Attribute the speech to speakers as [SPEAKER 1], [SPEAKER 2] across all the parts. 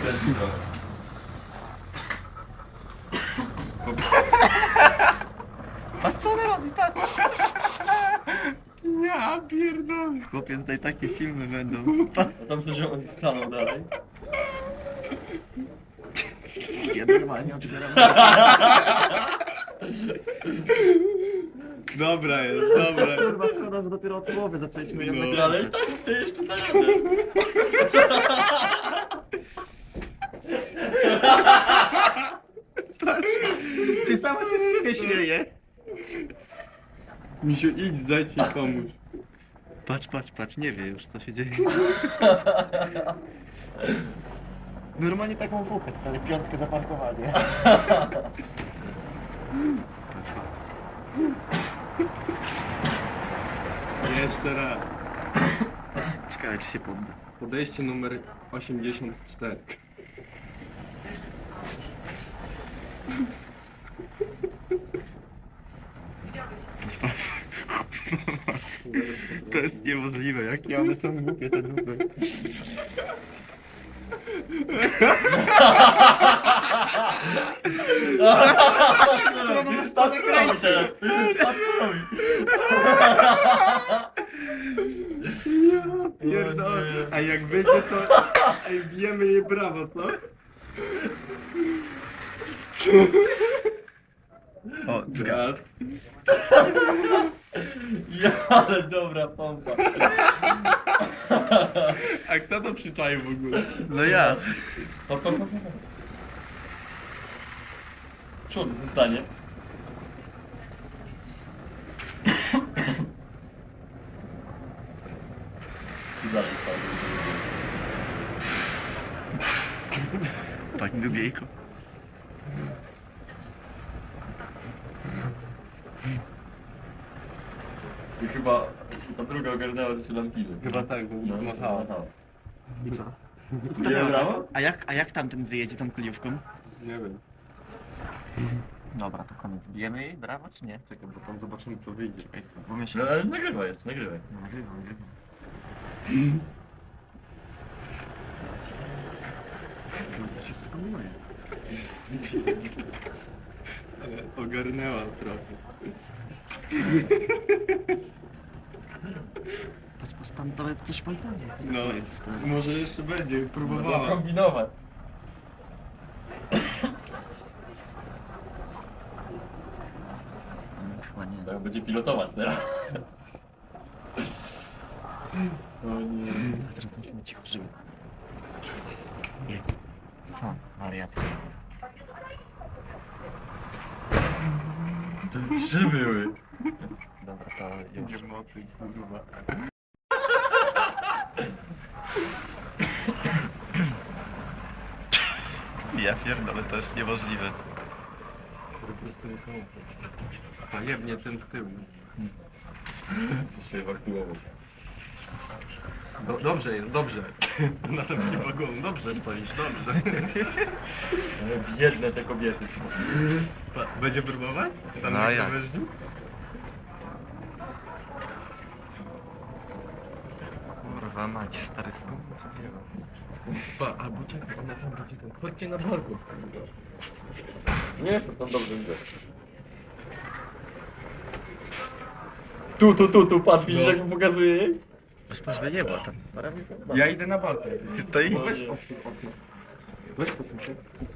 [SPEAKER 1] Kręci trochę.
[SPEAKER 2] Patrz co ona robi, patrz! Ja pierdolę. Chłopie, tutaj takie filmy będą.
[SPEAKER 1] A tam coś on stanął dalej.
[SPEAKER 2] Ja normalnie otwieram.
[SPEAKER 3] Dobra jest, dobra.
[SPEAKER 2] Kurwa, szkoda, że dopiero od połowy zaczęliśmy ją
[SPEAKER 3] No.
[SPEAKER 2] nagrać.
[SPEAKER 1] Ale i tak ty jeszcze na radę.
[SPEAKER 2] Ty sama się z siebie śmieje.
[SPEAKER 3] Misiu, idź, zejdź i pomóż.
[SPEAKER 2] Patrz, patrz, patrz, nie wie już co się dzieje. Normalnie taką wółkę, stary, piątkę zaparkowanie. Patrz, patrz.
[SPEAKER 3] Jeszcze raz.
[SPEAKER 2] Ciekawe czy się podda.
[SPEAKER 3] Podejście numer 84.
[SPEAKER 2] To jest niemożliwe, jakie one są głupie te dupy.
[SPEAKER 1] Patrz co robi teraz. Patrz co robi.
[SPEAKER 3] Ja pierdolę. A jak będzie to... Ej, bijemy jej brawo, co?
[SPEAKER 2] O, zgadza.
[SPEAKER 3] Zgad.
[SPEAKER 1] Ja, ale dobra pompa.
[SPEAKER 3] A kto to przyczaił w ogóle?
[SPEAKER 2] No ja.
[SPEAKER 1] Hop, hop, hop, hop. Przód zostanie. I dalej spadł.
[SPEAKER 2] Pani Dubiejko.
[SPEAKER 1] I chyba ta druga ogarnęła, że się lampiny.
[SPEAKER 3] Chyba tak, bo
[SPEAKER 1] No,
[SPEAKER 3] machała.
[SPEAKER 2] I co?
[SPEAKER 1] Nie brawo?
[SPEAKER 2] A jak tamten wyjedzie tą kliówką?
[SPEAKER 3] Nie wiem.
[SPEAKER 2] Dobra, to koniec. Bijemy jej? Brawo czy nie?
[SPEAKER 3] Czekaj, bo tam zobaczymy, co wyjdzie.
[SPEAKER 2] Czekaj, bo myślę...
[SPEAKER 1] No ale nagrywaj jeszcze, nagrywaj.
[SPEAKER 2] Nagrywam, nagrywam.
[SPEAKER 3] Co się skomuje? Ale ogarnęła trochę.
[SPEAKER 2] Patrz, patrz, tam nawet coś palcami.
[SPEAKER 3] No,
[SPEAKER 2] Co jest?
[SPEAKER 3] może jeszcze będzie
[SPEAKER 1] Próbowała
[SPEAKER 3] próbowała.
[SPEAKER 1] kombinować.
[SPEAKER 2] Chyba nie.
[SPEAKER 1] Tak będzie pilotować teraz. O nie.
[SPEAKER 2] Teraz musimy cicho żyły. Jest. Są wariatki.
[SPEAKER 1] To 3 były.
[SPEAKER 2] Dobra, to już.
[SPEAKER 3] Nie moty, kurwa.
[SPEAKER 2] Ja pierdolę, to jest niemożliwe.
[SPEAKER 3] Po prostu nie komputer. A jebnie ten z tyłu.
[SPEAKER 1] Co się ewakuował.
[SPEAKER 3] Dobrze jest, dobrze. Na tym wagonu, dobrze stoisz, dobrze.
[SPEAKER 1] Ale biedne te kobiety są.
[SPEAKER 3] Będzie próbować? Tam
[SPEAKER 2] No
[SPEAKER 3] na
[SPEAKER 2] jak?
[SPEAKER 3] krawężni?
[SPEAKER 2] Kurwa mać, stary skąd?
[SPEAKER 3] Albo czekaj, ona tam będzie ten. Chodźcie na balkon.
[SPEAKER 1] Nie, to tam dobrze widzę. Tu, patrz, widzisz
[SPEAKER 3] No.
[SPEAKER 1] jak mu pokazuje jej?
[SPEAKER 2] Aż patrz, by nie było tam.
[SPEAKER 3] Ja idę na balkon.
[SPEAKER 2] To i...
[SPEAKER 1] Weź
[SPEAKER 3] Weź posłuchaj.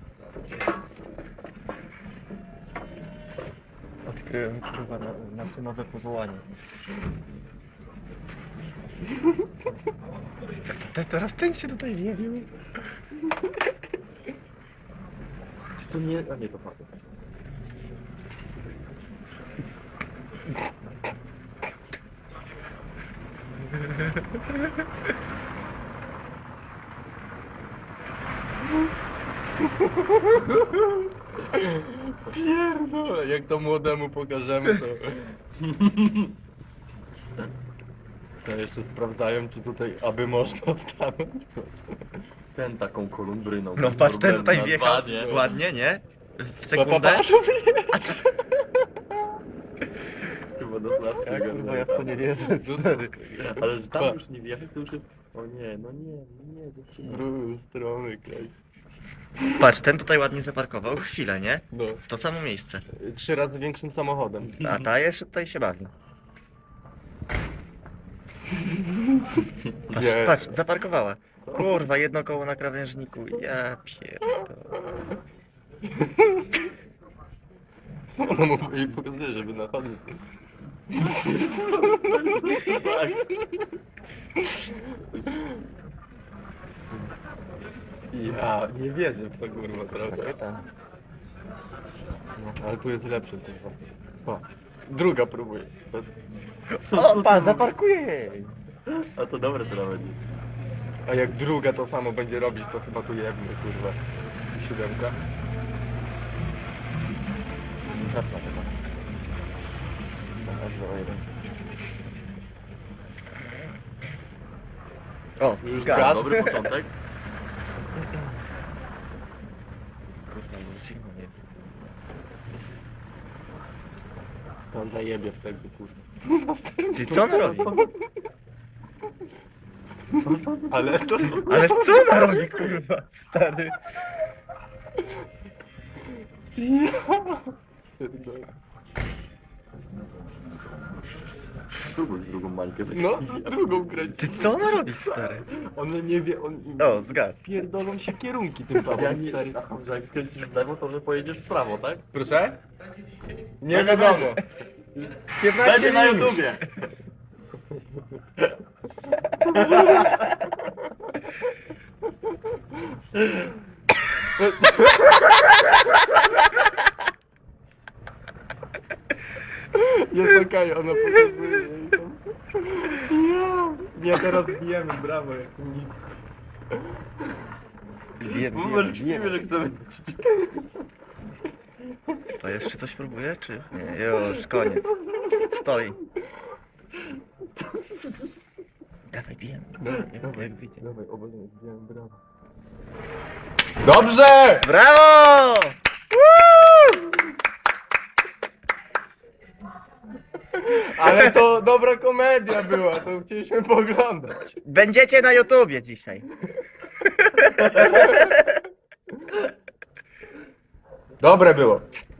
[SPEAKER 2] Odkryłem kurwa nasze nowe powołanie. Teraz ten się tutaj wjebił.
[SPEAKER 1] Czy to nie... A nie, to facet.
[SPEAKER 3] Pierdolę, jak to młodemu pokażemy, to... To jeszcze sprawdzają, czy tutaj, aby można stanąć.
[SPEAKER 1] Ten taką kolumbryną.
[SPEAKER 2] No
[SPEAKER 1] bez
[SPEAKER 2] patrz, ten
[SPEAKER 1] problemu
[SPEAKER 2] tutaj
[SPEAKER 1] na
[SPEAKER 2] wjechał.
[SPEAKER 1] dwa, nie?
[SPEAKER 2] Ładnie, nie? W sekundę.
[SPEAKER 1] Chyba do sławki
[SPEAKER 2] Ja kurwa, ja w to nie wierzę, stary.
[SPEAKER 1] Ale że tam już nie wjechać, to już jest... O nie, no nie, dziewczyna.
[SPEAKER 3] Drugą stronę, klej.
[SPEAKER 2] Patrz, ten tutaj ładnie zaparkował chwilę, nie?
[SPEAKER 3] No.
[SPEAKER 2] W to samo miejsce.
[SPEAKER 3] 3 razy większym samochodem.
[SPEAKER 2] A ta jeszcze tutaj się bawi. Patrz,
[SPEAKER 3] Nie.
[SPEAKER 2] patrz, zaparkowała. Kurwa, jedno koło na krawężniku. Ja pierdolę.
[SPEAKER 3] Ona mu jej pokazuje, żeby na chodnik. Ja nie wierzę w to kurwa trochę. No, ale tu jest lepszy kurwa. O, druga próbuje.
[SPEAKER 2] Opa, zaparkuję jej.
[SPEAKER 1] A to dobre to nawet.
[SPEAKER 3] A jak druga to samo będzie robić, to chyba tu jebnie kurwa. 7.
[SPEAKER 2] Żadna chyba. Dobra, 0,1. O,
[SPEAKER 3] Już
[SPEAKER 2] zgadza.
[SPEAKER 3] gaz.
[SPEAKER 1] Dobry początek.
[SPEAKER 2] Kurwa, już zimno jest.
[SPEAKER 3] On zajebie w tego kurwa.
[SPEAKER 2] Ty co ona robi?
[SPEAKER 3] Ale to...
[SPEAKER 2] Ale co ona robi, kurwa, stary?
[SPEAKER 1] Spróbuj drugą mańkę
[SPEAKER 3] No, z drugą kręci.
[SPEAKER 2] Ty co ona robi, stary?
[SPEAKER 3] On nie wie, on...
[SPEAKER 2] O, zgadza.
[SPEAKER 3] Pierdolą się kierunki tym
[SPEAKER 1] Ja
[SPEAKER 3] papem,
[SPEAKER 1] nie...
[SPEAKER 3] stary.
[SPEAKER 1] Aha, że jak skręcisz w lewo, to że pojedziesz w prawo, tak?
[SPEAKER 3] Proszę? Nie
[SPEAKER 1] Będzie,
[SPEAKER 3] wiadomo. 15
[SPEAKER 1] Będzie na
[SPEAKER 3] minut.
[SPEAKER 1] YouTubie!
[SPEAKER 3] Jest okej, ona pokazuje jej tam. Ja. Nie, teraz bijemy, brawo, jak nic.
[SPEAKER 2] Wiem,
[SPEAKER 1] Może krzyczimy, że chcemy...
[SPEAKER 2] To jeszcze coś próbuje, czy? Nie, już, koniec. Stoi. Dawaj, bijemy. Jak widzę.
[SPEAKER 3] Dawaj, obojętnie, bijemy, brawo. Dobrze!
[SPEAKER 2] Brawo!
[SPEAKER 3] Ale to dobra komedia była, to chcieliśmy pooglądać.
[SPEAKER 2] Będziecie na YouTubie dzisiaj.
[SPEAKER 3] Dobre było.